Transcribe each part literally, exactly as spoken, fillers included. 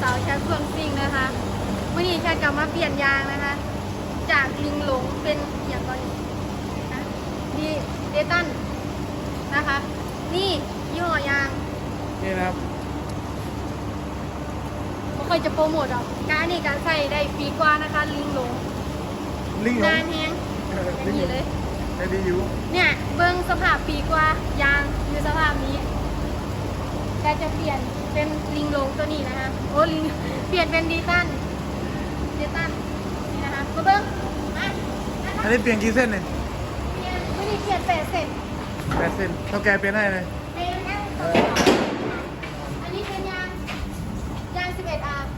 สาวแคทเฟื่องซิงนะคะเมื่อนี้แคทกลับมาเปลี่ยนยางนะคะ จากลิงหลงเป็นอย่างก่อนนะดีเดตันนะคะ นี่ยี่ห้อยางนี่นะครับไม่ค่อยจะโปรโมทหรอกการนี่การใส่ได้ปีกว่านะคะลิงหลงลิงหลงนานแฮงอย่างนี้เลยได้ดีอยู่เนี่ยเบิ้งสภาพปีกว่ายางอยู่สภาพนี้แต่จะเปลี่ยนเป็นลิงลงตัวนี้นะคะโอ้ลิงเปลี่ยนเป็นดีตันดีตันนี่นะคะมาเบิ้งมาอันนี้เปลี่ยนกี่เส้นเนี่ยเปลี่ยนไม่ได้เปลี่ยนแปดเส้นแปดเส้นเท่าแกเปลี่ยนให้เลยเป็นยางอันนี้เป็นยางยางสิบเอ็ดอาร์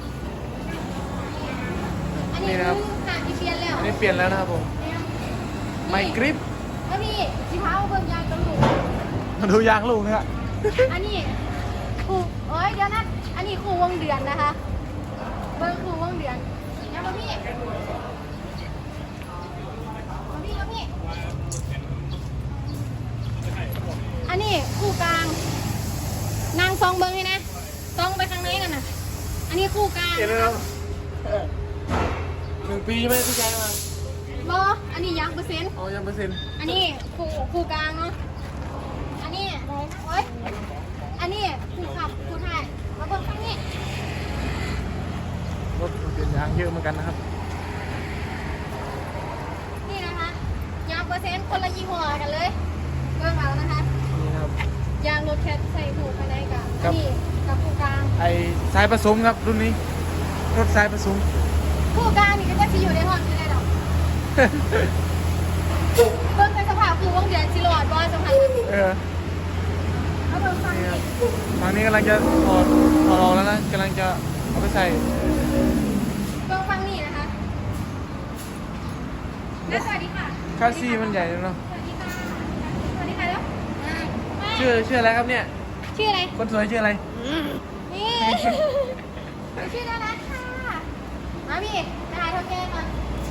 อันนี้คือหางที่เปลี่ยนแล้วอันนี้เปลี่ยนแล้วนะครับผมไมกริปแล้วนี่สีเท้าเบิ้งยางกระดูกมาดูยางลูกนะครับอันนี้ครูเอ้ยเดี๋ยวนะอันนี้ครูวงเดือนนะคะเบิ้งครูวงเดือนนะมาพี่มาพี่มาพี่อันนี้ครูกลางนางซองเบิ้งให้นะซองไปข้างในกันนะอันนี้ครูกลางเปลี่ยนแล้วหนึ่งปีใช่ไหมที่ใช้มาบออันนี้ยังเปอร์เซ็นต์อ๋อยังเปอร์เซ็นต์อันนี้ครูครูกลางเนาะอันนี้โอ้ยอันนี้ครูขับครูถ่ายมาเบิ้งข้างนี้รถเปลี่ยนยางเยอะเหมือนกันนะครับนี่นะคะยางเปอร์เซ็นต์คนละยี่ห้อกันเลยเบิ้งเอานะคะนี่ครับยางรถแคทใส่ถูกภายในกับนี่กับครูกลางไอ้สายผสมครับรุ่นนี้รถสายผสมครูกลางนี่ก็จะอยู่ในห้องนี่เลยหรอเบิ้งในสภาพคือวงเดือนชิโร่บอลสำคัญเออแล้วเบิ้งฟังนี่ทางนี้กำลังจะถอดถอดออกแล้วนะกำลังจะเอาไปใส่เบิ้งฟังนี่นะคะและสวัสดีค่ะค่าซี่มันใหญ่เนาะสวัสดีค่ะสวัสดีค่ะแล้วชื่อชื่ออะไรครับเนี่ยชื่ออะไรคนสวยชื่ออะไรนี่ชื่อน่ารักค่ะมาพี่ถ่ายเท่าแก่ก่อน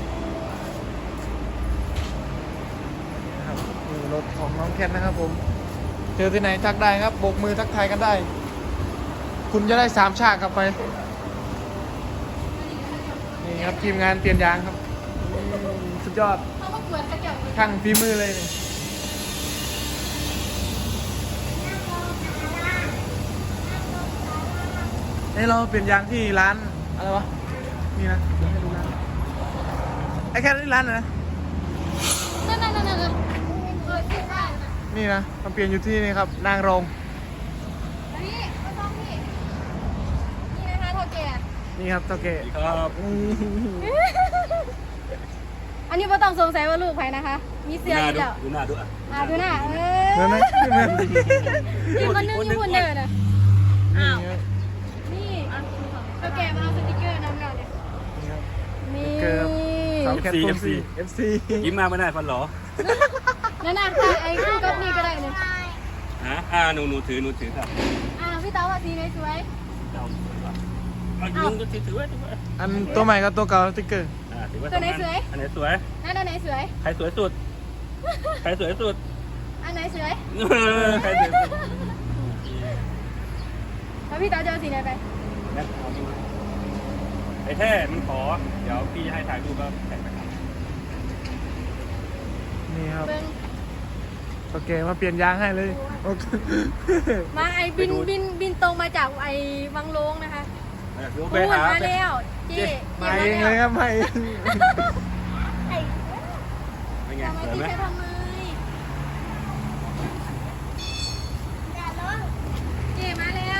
รถของน้องแคทนะครับผมเจอที่ไหนทักได้ครับโบกมือทักทายกันได้คุณจะได้สามฉากกลับไปนี่ครับทีมงานเปลี่ยนยางครับสุดยอดช่างฝีมือเลยเนี่ยให้เราเปลี่ยนยางที่ร้านอะไรวะนี่นะให้ดูร้านไอ้แค่ที่ร้านนะนั่นนั่นนั่นนั่นนี่นะมาเปลี่ยนอยู่ที่นี่ครับนางรองนี่มาต้องพี่นี่นะคะเท่าแก่นี่ครับเท่าแก่ครับอันนี้ไม่ต้องสงสัยว่าลูกใครนะคะมีเสื้ออยู่แล้วดูหน้าดูอ่ะอ่าดูหน้าเออเหมือนไหมเหมือนนี่คนนึงญี่ปุ่นเดินนะอ้าวนี่เท่าแก่มาเอาสติ๊กเกอร์น้ำหน่อยนี่สาวแคทโฟซีเอฟซียิ้มมาไม่ได้ฟันหรอนั่นน่ะไอ้คู่กับนี่ก็ได้เลยฮะอ่าหนูหนูถือหนูถือครับอ่าพี่เต๋าว่าสีไหนสวยเอาลุงก็ถือถือไว้ถือไว้อันตัวใหม่กับตัวเก่าสติ๊กเกอร์อ่าถือไว้ตัวไหนสวยอันไหนสวยนั่นอันไหนสวยใครสวยสุดใครสวยสุดอันไหนสวยใครสวยสุดแล้วพี่เต๋าจะเอาสีไหนไปไอ้แท้มันขอเดี๋ยวพี่ให้ถ่ายรูปแล้วแท็กไปนี่ครับโอเคมาเปลี่ยนยางให้เลยมาไอบินบินบินตรงมาจากไอวังโลงนะคะพูดมาแล้วเจ๊มาเองเลยครับมาเองเป็นไงสวยไหมทำไมเจ๊มาแล้ว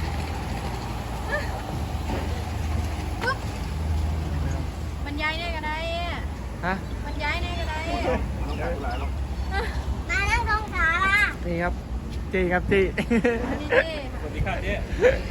ปุ๊บบรรยายได้ก็ได้ฮะบรรยายได้ก็ได้มาแล้วตรงขาล่ะนี่ครับจีครับจีสวัสดีค่ะเจ๊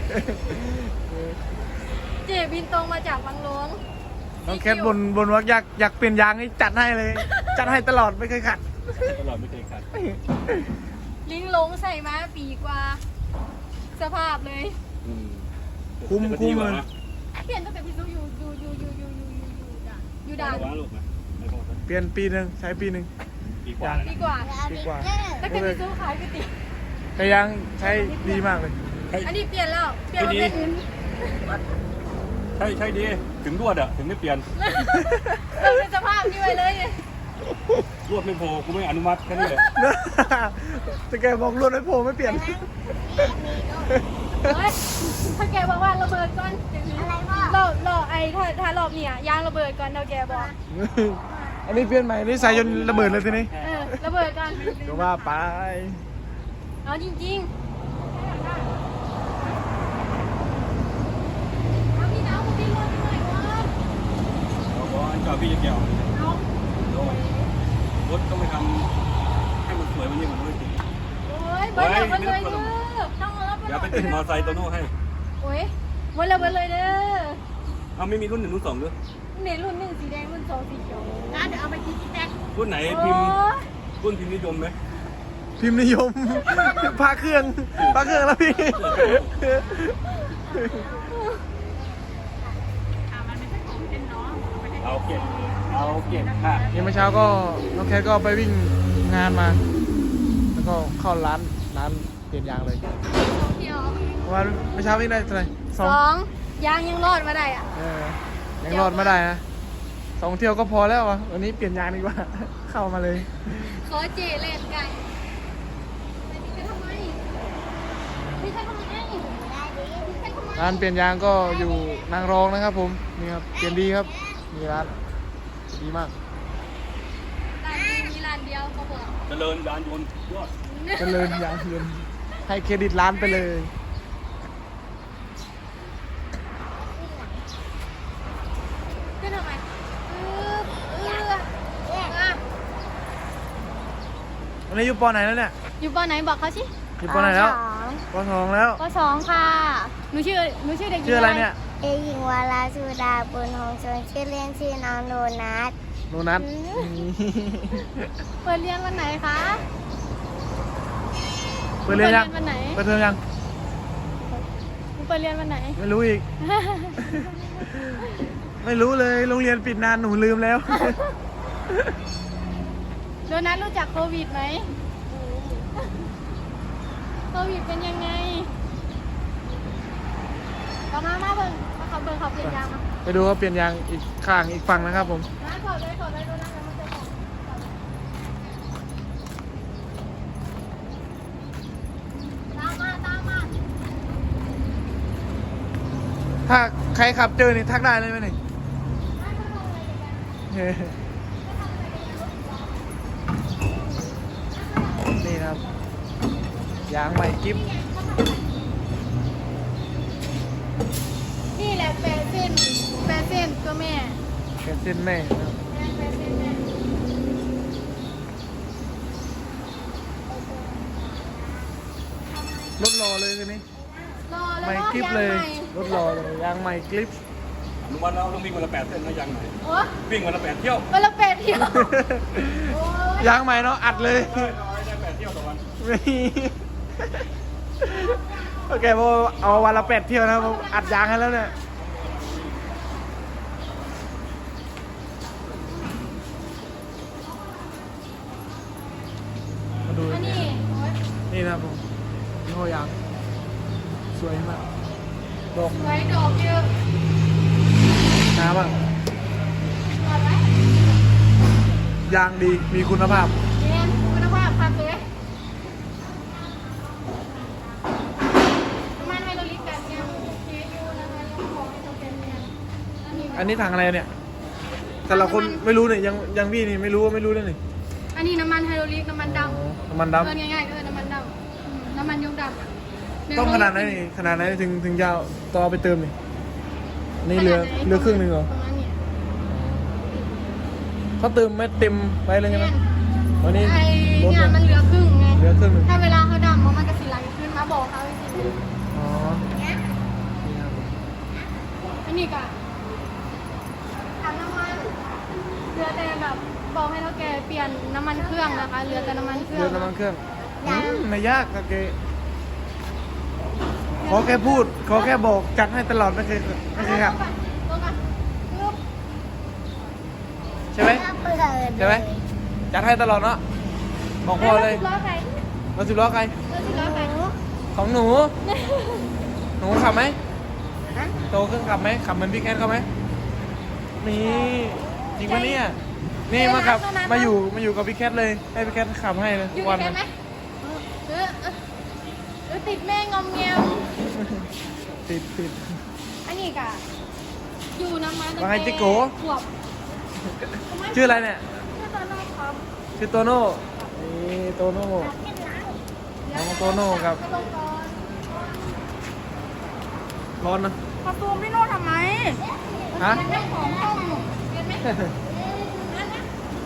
เจ๊บินตรงมาจากวังหลวงน้องแคทบนบนว่าอยากอยากเปลี่ยนยางนี่จัดให้เลยจัดให้ตลอดไม่เคยขัดตลอดไม่เคยขัดลิงลงใส่มาปีกว่าสภาพเลยคุ้มคุ้มเลยเปลี่ยนตั้งแต่พี่ซูอยู่อยู่อยู่อยู่อยู่อยู่อยู่อยู่ด่านเปลี่ยนปีหนึ่งใช้ปีหนึ่งปีกว่าปีกว่าปีกว่าตั้งแต่พี่ซูขายก๋วยเตี๋ยวแต่ยังใช้ดีมากเลยอันนี้เปลี่ยนแล้วเปลี่ยนเป็นใช่ใช่ดีถึงรวดอะถึงไม่เปลี่ยนเราเป็นสภาพนี้ไปเลยไงรวดไม่โผล่กูไม่อนุมัติแค่นี้เลยแต่แกบอกรวดไม่โผล่ไม่เปลี่ยนเฮ้ยถ้าแกบอกว่าระเบิดก่อนอะไรพ่อเราเราไอ้ถ้าถ้ารอบเนี่ยยางระเบิดก่อนเราแกบอกอันนี้เปลี่ยนใหม่นี่ใส่จนระเบิดเลยทีนี้เออระเบิดก่อนก็ว่าไปเอาจริงๆเอาพี่น้ำพี่รถหน่อยก่อนเราบอกอันเก่าพี่จะเกี่ยวเอารถต้องไปทำให้มันสวยมันยิ่งกว่านี้โอ้ยเบิร์ดเลยเบิร์ดเลยเด้อต้องเอาเดี๋ยวไปติดมอเตอร์ไซค์โตโน่ให้โอ้ยเบิร์ดเลยเบิร์ดเลยเด้อเอาไม่มีรุ่นหนึ่งรุ่นสองด้วยเน้นรุ่นหนึ่งสีแดงรุ่นสองสีเขียวนะเดี๋ยวเอาไปกินที่แท็กรุ่นไหนพิมพ์รุ่นพิมพ์นิยมไหมพิมพ์นิยม พาเครื่องพาเครื่องแล้วพี่เอาเก็บเอาเก็บค่ะนี่เมื่อเช้าก็น้องแคทก็ไปวิ่งงานมา แล้วก็เข้าร้านร้านเปลี่ยนยางเลยเดียวเพราะว่าเมื่อเช้าวิ่งได้เท่าไหร่สสององยางยังรอดมาได้อ่ะเออยังรอดไม่ได้นะสองเที่ยวก็พอแล้วอ่ะวันนี้เปลี่ยนยางดีกว่า เข้ามาเลยขอเจเล่นไก่ไปทำไมพี่ใช่ทำไมได้ดิพี่ใช่ทำไมร้านเปลี่ยนยางก็อยู่นางรองนะครับผมนี่ครับเปลี่ยนดีครับมีร้านดีมากร้านนี้มีร้านเดียวเขาบอกเจริญยานยนต์ยอดเจริญยางยนต์ให้เครดิตร้านไปเลยขึ้นทำไมเออเออเออวันนี้อยู่ปอไหนแล้วเนี่ยอยู่ปอไหนบอกเขาสิอยู่ปอไหนแล้วปอสองแล้วปสองค่ะหนูชื่อหนูชื่อเด็กหญิงชื่ออะไรเนี่ยเด็กหญิงวาราสุดาบุญหงส์ชนชื่อเล่นชื่อน้องโดนัทโนนัทเปิดเรียนวันไหนคะเปิดเรียนยังวันไหนเปิดเทอมยังหนูเปิดเรียนวันไหนไม่รู้อีก ไม่รู้เลยโรงเรียนปิดนานหนูลืมแล้วโดนัทรู้จักโควิดไหมโควิดเป็นยังไงต่อมามาเบิ่งมาขับเบิ่งขับเปลี่ยนยางมาไปดูว่าเปลี่ยนยางอีกข้างอีกฝั่งนะครับผมมาขอเลยขอเลยโดนัทจะมาเจอของตามมาตามมาถ้าใครขับเจอนี่ทักได้เลยไหมนี่ เฮ้นี่นะครับ ยางใหม่กิ๊บนี่แหละแปดเส้นแปดเส้นตัวแม่แกนเส้นแม่นะครับแปดเส้นแม่รถรอเลยทีนี้รอแล้วใหม่ก็กิ๊บยางเลยใหม่รถรอเลยยางใหม่กลิปอนุมัติแล้วต้องวิ่งวันละแปดเส้นนะยังไหนโอ้วิ่งวันละแปดเที่ยววันละแปดเที่ยวโอ้ยยางใหม่เนาะอัดเลยได้ได้แปดเที่ยวต่อวันไม่โอเคพอเอาวันละแปดเที่ยวนะครับผมอัดยางให้แล้วเนี่ยมาดูอันนี้โอ๊ยนี่นะครับผมยี่ห้อยางสวยมากดอกไว้ดอกเยอะน้ำอ่ะก่อนไว้ยางดีมีคุณภาพเรียนคุณภาพครับเลยมันไฮโดรลิกแบบยังเคยูนะคะยังขอให้เขาเป็นเนี่ยอันนี้อันนี้ถังอะไรเนี่ยแต่ละคนไม่รู้เนี่ยยังยังพี่นี่ไม่รู้ว่าไม่รู้เลยนี่อันนี้น้ำมันไฮโดรลิกน้ำมันดอ๋อน้ำมันำดเออง่ายๆก็คือน้ำมันดำอืมน้ำมันยงดำำต้องขนาดไหนนี่ขนาดไหนถึงถึงจะเอาต่อไปเติมนี่อันนี่เหลือเหลือครึ่งหนึ่งเหรอประมาณนี้เขาเติมไม่เต็มไปเลยใช่ไหมวันนี้ไอ้ลดเนี่ยเลยมันเหลือครึ่งไงเหลือครึ่งหนึ่งถ้าเวลาเขาดำมันก็สิไหลขึ้นมาบอกเขาอีกทีอ๋อนี่ครับผมอันนี้ก็ถังน้ำมันเหลือแต่แบบบอกให้เท่าแกเปลี่ยนน้ำมันเครื่องนะคะเหลือแต่น้ำมันเครื่เดืออง นน้ำมันเครื่องอืมไม่ยากโอเคขอแค่พูด ขอแค่บอกจัดให้ตลอดไม่เคยไม่เคยครับลงก่อนปึ๊บใช่ไหมเปิดใช่ไหมจัดให้ตลอดเนาะบอกพ่อเลยล้อใครรถสิบล้อใครรถสิบล้อใครของหนู หนูขับไหมอะโตขึ้นขับไหมขับเหมือนพี่แคทเขาไหมนี่จริงปะเนี่ยนี่มาขับมาอยู่มาอยู่กับพี่แคทเลยให้พี่แคทขับให้เลยอยู่วัในแคทไหมเออเออเออติดแม่งอมแงมติดติดอันนี้กะอยู่น้ำมันว่าไงจิโกขวบชื่ออะไรเนี่ยชื่อตอนน้องครับชื่อโตโน่นี่โตโน่น้องโตโน่ครับไปลงก่อนร้อนนะขอซูมพี่โน่ทำไมฮะเรื่องของห้องเห็นไหมนั่นนะ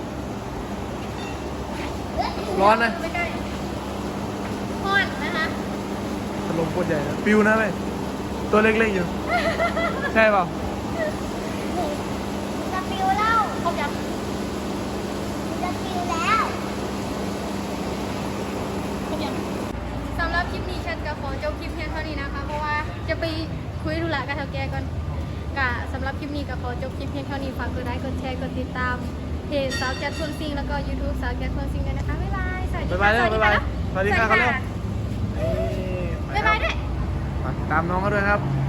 ร้อนนะไม่ใกล้ฮอนนะคะถล่มโคตรใหญ่นะปิวนะเว้ยตัวเล็กๆอยู่ ใช่เปล่าจะปิวแล้วครบยังจะปิวแล้วครบยังสำหรับคลิปนี้ฉันกับขอจบคลิปเพียงเท่านี้นะคะ เพราะว่าจะไปคุยธุระกับเท่าแก่ก่อนกะสำหรับคลิปนี้ก็ขอจบคลิปเพียงเท่านี้ฝากกดไลค์กดแชร์กดติดตามเพจสาวแก๊สเฟื่องซิงแล้วก็ YouTube สาวแก๊สเฟื่องซิงด้วยนะคะบ๊ายบายสวัสดีบ๊ายบายค่ะเด้อบ๊ายบายสวัสดีค่ะสวัสดีครับบ๊ายบายด้วยฝากตามน้องเขาด้วยครับ